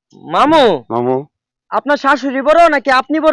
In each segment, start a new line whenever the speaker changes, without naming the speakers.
মামু,
মামু
আপনার শাশুড়ি বড় নাকি আপনি বড়?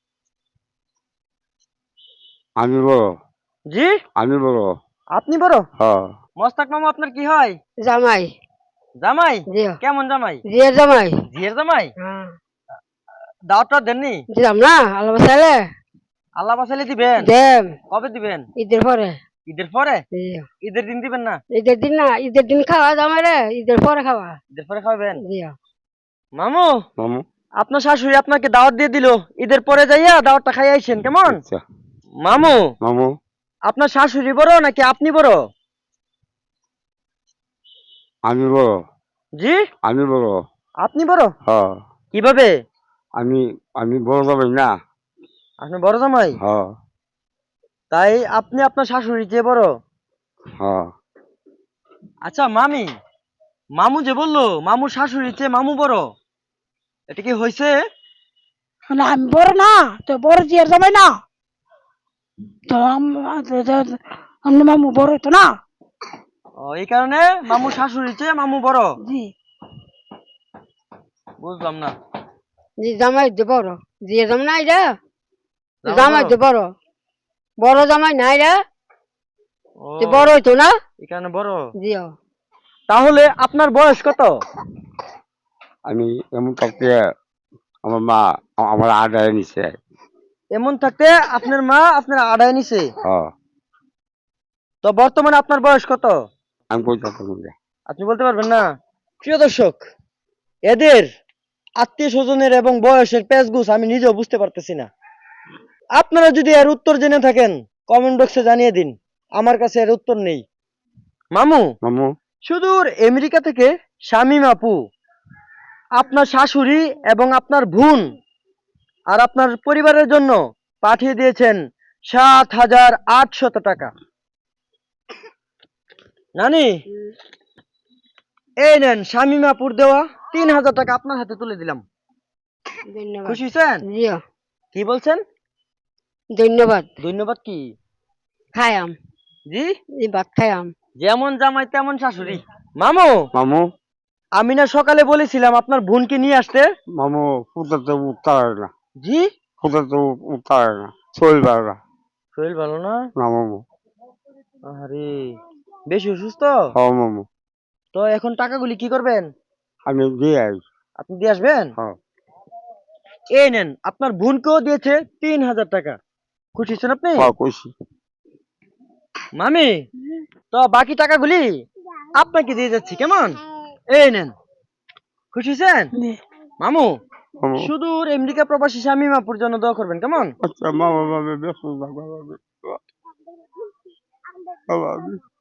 আমি বড়।
জি,
আমি বড়।
আপনি বড়।
হ্যাঁ।
মোস্তাক মামু আপনার কি হয়?
জামাই।
জামাই?
জি।
কেমন জামাই?
জিয়া জামাই।
জিয়ের জামাই?
হ্যাঁ।
দাওয়াতটা দেননি?
দিলাম না আল্লাহ বাসাইলে।
আল্লাহ বাসাইলে দিবেন।
দেম
কবে দিবেন?
ঈদের পরে।
ঈদের পরে?
জি।
ঈদের দিন দিবেন না?
ঈদের দিন না, ঈদের দিন খাওয়া জামাই রে, ঈদের পরে খাওয়া।
ঈদের পরে খাবেন?
জি।
মামু,
মামু
আপনার শাশুড়ি আপনাকে দাওয়াত দিয়ে দিল, ঈদের পরে যাইয়া দাওয়াতটা খাই আইছেন কেমন?
আচ্ছা।
মামু,
মামু
আপনার শাশুড়ি বড় নাকি আপনি বড়?
আমি বড়।
জি,
আমি বড়।
আপনি বড়।
হ্যাঁ।
কিভাবে?
আমি আমি বড় যাবেন না।
আপনি বড় জামাই?
হ্যাঁ।
তাই আপনি আপনার শাশুড়ি চেয়ে বড়?
হ্যাঁ।
আচ্ছা মামি, মামু যে বললো মামুর শাশুড়ি চেয়ে মামু বড়, এটা কি হয়েছে?
না আমি বড় না, তো বড় জিয়ার জামাই না, তো আপনি মামু বড় তো না।
ও, এই কারণে মামুর শাশুড়ি চেয়ে মামু বড়।
জি।
বুঝলাম না।
জি জামাই যে বড়। জিয়া জামাই নাই রে।
জামাই
জামাই
বড়?
যে বড়। বড় জামাই নাই রে।
ও,
যে বড় হইতো না।
এই কারণে বড়।
জিও।
তাহলে আপনার বয়স কত?
আমি এমন থাকতে আমার মা আমার আদায় নিছে।
এমন থাকতে আপনার মা আপনার আড়াই নিছে।
হ্যাঁ।
তো বর্তমানে আপনার বয়স কত?
আমি কই থাকতাম না।
আপনি বলতে পারবেন না? প্রিয় দর্শক, এদের আত্মীয় স্বজনের এবং বয়সের পেঁচগুছ আমি নিজেও বুঝতে পারতেছি না। আপনারা যদি এর উত্তর জেনে থাকেন কমেন্ট বক্সে জানিয়ে দিন, আমার কাছে এর উত্তর নেই। মামু,
মামু
সুদূর আমেরিকা থেকে শামীম আপু আপনার শাশুড়ি এবং আপনার বোন আর আপনার পরিবারের জন্য পাঠিয়ে দিয়েছেন ৭,৮০০ টাকা। নানি, এই নেন শামীম আপুর দেওয়া ৩,০০০ টাকা আপনার হাতে তুলে দিলাম।
ধন্যবাদ।
খুশি হয়েছেন?
জিও।
কি বলছেন?
ধন্যবাদ।
ধন্যবাদ কি?
খায়াম।
জি,
জি ভাত খায়াম।
যেমন জামাই তেমন শাশুড়ি। মামু,
মামু
আমি না সকালে বলেছিলাম আপনার বোনকে নিয়ে আসতে?
মামু ফুটাতে উঠতে না।
জি,
ফুটাতে উঠতে না। শরীর ভালো না।
শরীর ভালো না?
না মামু।
আরে, বেশি অসুস্থ?
হ্যাঁ মামু।
তো এখন টাকাগুলি কি করবেন?
আমি দিয়ে আই।
আপনি দিয়ে আসবেন?
হ্যাঁ।
এই নেন, আপনার বোনকেও দিয়েছে ৩,০০০ টাকা। খুশি হচ্ছেন আপনি?
হ্যাঁ কইছি।
মামি, তো বাকি টাকাগুলি আপনাকে দিয়ে যাচ্ছি কেমন? এই নেন। খুশি হয়েছেন?
জি।
মামু,
মামু
সুদূর আমেরিকা প্রবাসী শামীম আপুর জন্য দোয়া করবেন কেমন?
আচ্ছা মামা মামা ব্যস্ত থাকবে। বাবা